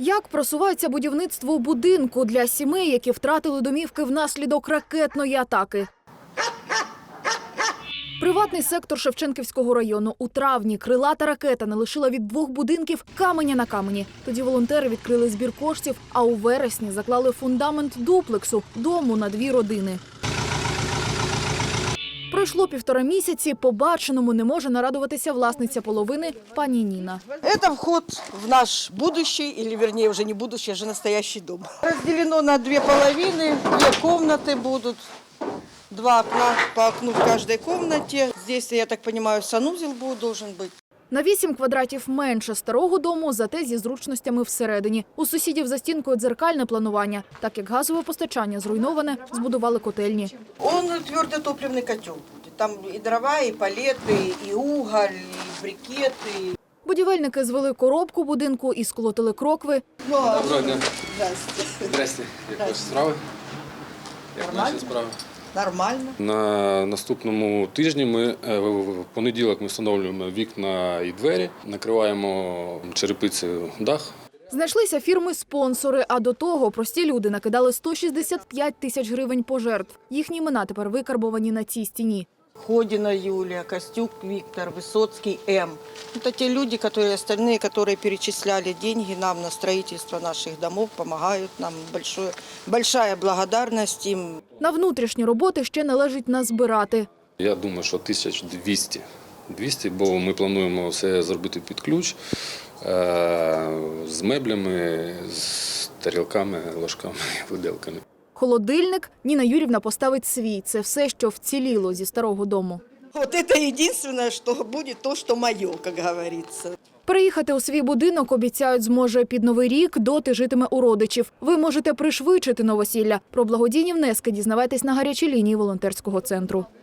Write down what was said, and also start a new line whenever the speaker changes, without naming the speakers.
Як просувається будівництво будинку для сімей, які втратили домівки внаслідок ракетної атаки? Приватний сектор Шевченківського району. У травні крилата ракета не лишила від 2 будинків каменя на камені. Тоді волонтери відкрили збір коштів, а у вересні заклали фундамент дуплексу – дому на 2 родини. Пройшло 1,5 місяці, побаченому не може нарадуватися власниця половини пані Ніна.
Это вход в наш будущий, или вернее уже не будущий, а уже настоящий дом. Разделено на 2 половины, 2 комнаты будут, 2 окна по окну в каждой комнате. Здесь, я так понимаю, санузел должен быть.
На 8 квадратів менше старого дому, зате зі зручностями всередині. У сусідів за стінкою дзеркальне планування. Так як газове постачання зруйноване, збудували котельні.
Он твердотопливный котел будет. Там и дрова, и палеты, и уголь, и брикеты.
Будівельники звели коробку будинку і сколотили крокви.
Доброго дня.
Здрасте.
Здрасте. Як ваші справи? Як наші справи?
Нормально.
На наступному тижні в понеділок ми встановлюємо вікна і двері, накриваємо черепицею дах.
Знайшлися фірми-спонсори, а до того прості люди накидали 165 тисяч гривень пожертв. Їхні імена тепер викарбовані на цій стіні.
Ходина Юлия, Костюк Виктор, Высоцкий М. Это те люди, которые перечисляли деньги нам на строительство наших домов, помогают нам. Большая благодарность им.
На внутрішні роботи ще належить назбирати.
Я думаю, що 1200, бо ми плануємо все зробити під ключ, з меблями, з тарілками, ложками, виделками.
Холодильник Ніна Юрівна поставить свій. Це все, що вціліло зі старого дому.
Вот это единственное, что будет то, что мое, как говорится.
Переїхати у свій будинок, обіцяють, зможе під Новий рік, доти житиме у родичів. Ви можете пришвидшити новосілля. Про благодійні внески дізнавайтесь на гарячій лінії волонтерського центру.